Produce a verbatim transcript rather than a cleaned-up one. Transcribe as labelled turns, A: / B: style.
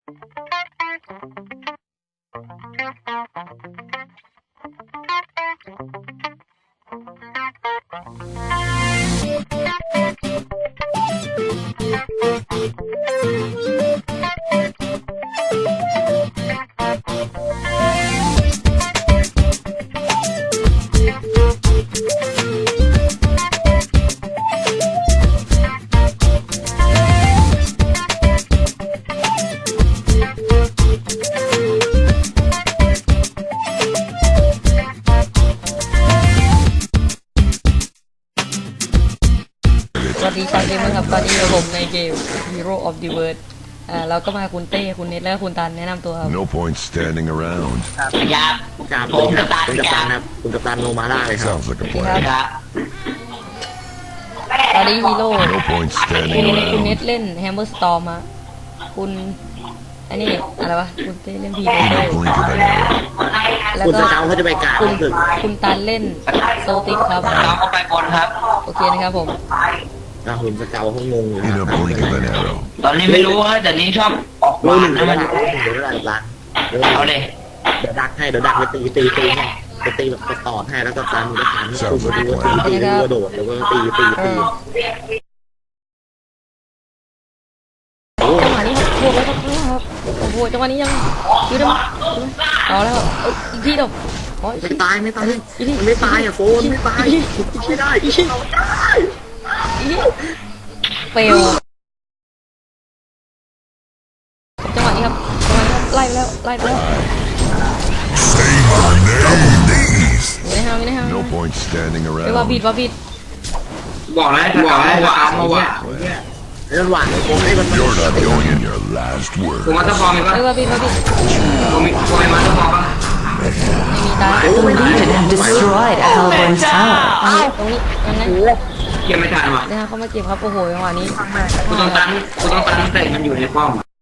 A: สวัสดีชาวเกมเมอร์ครับตอนนี้ผมในเกม Hero of the World อ่าเราก็มาคุณเต้คุณเน็ตและคุณตันแนะนำตัวครับ
B: No point standing around.
C: ครับ
D: ครับ
C: ผมกัปตัน
D: เป็นกัปตันครับคุณกัปตันโนมาร่าเลยครับ
B: Sounds like a
A: ครั
B: plan.
C: ครับ
A: ตอนนี้ฮีโร่
B: No point
A: คุณ
B: standing
A: คุณเน็ต
B: around.
A: เล่น Hammer Storm ฮะคุณอันนี้อะไรวะคุณเต้เล่นพี
B: In
A: เต้
B: a blink of an arrow.
A: แล้ว
D: คุณ
A: ก็
D: สเกาเขาจะไปกราบ
A: คุณ
D: ถึง
A: คุณตันเล่นโซติกครับ
C: เราก็ไปบนครับ
A: โอเคนะครับผม
D: นะคุณสเกาเขางงอยู่
B: In a blink of an arrow.
C: ตอนนี้ไม่รู้ว่าแต่นี้ชอบออก
D: รู้
C: บ้า
D: ห
C: น
D: นึ่ง
C: นะ
D: เดี๋ยว
C: มัน
D: ได้เดี๋ยวได้ร้านเดี๋ยว
C: เอาเลย
D: เดี๋ยวดักให้เดี๋ยวดักไปตีตีตีให้ไปตีแบบตอดให้แล้วก็ตามมือตามให้คุณตีก็ตีตีแล้วก็โดดแล้วก็ตีตี
A: เอ
D: ตี
A: อจังหวะนี้ครับบวกแล้วครับครับโอ้โหจังหวะนี้ยังยืดได้ไหมเอาแล้วเอ้ยอีกทีเดียวโอ้ย
D: ไม่ตายไม่ตายมันไม่ตายอ่ะโฟนไม่ตายไม่ได้
A: อีกทีเฟลจังหวะนี้ครับจังหวะนี้ครับไล่ไปแล้วไล่ไปแล้ว
B: Say my name, knees.
A: อยู่ในห้างอยู่ในห้าง
B: No point standing
A: เอ้ยว่าผิด
B: around.
A: ว่าผิด
C: บอกแล้วบอกแล้วว่าเอามาว่า
D: ไอ้หวานโฟนให้มัน
B: You're not going in your last
C: กู
B: word.
C: มาตะฟอร์มอีก
A: เอ้ย
C: ป่ะ
A: ว่าผิดว่าผิด
C: กูมีกูมีมาตะฟอร์มป่ะ
A: ไม่มีตา
D: โอ้ไม่ได้
E: and destroyed Hellborn's tower.
A: ตรงนี้ตรงนี้ยังไง
C: เก็บไม่ทันว่ะ
A: นะฮะเขามาเก็บครับโอ้โหจังหวะนี้
C: กูต้องตันกูต้องตันแต่มันอยู่ในป้อม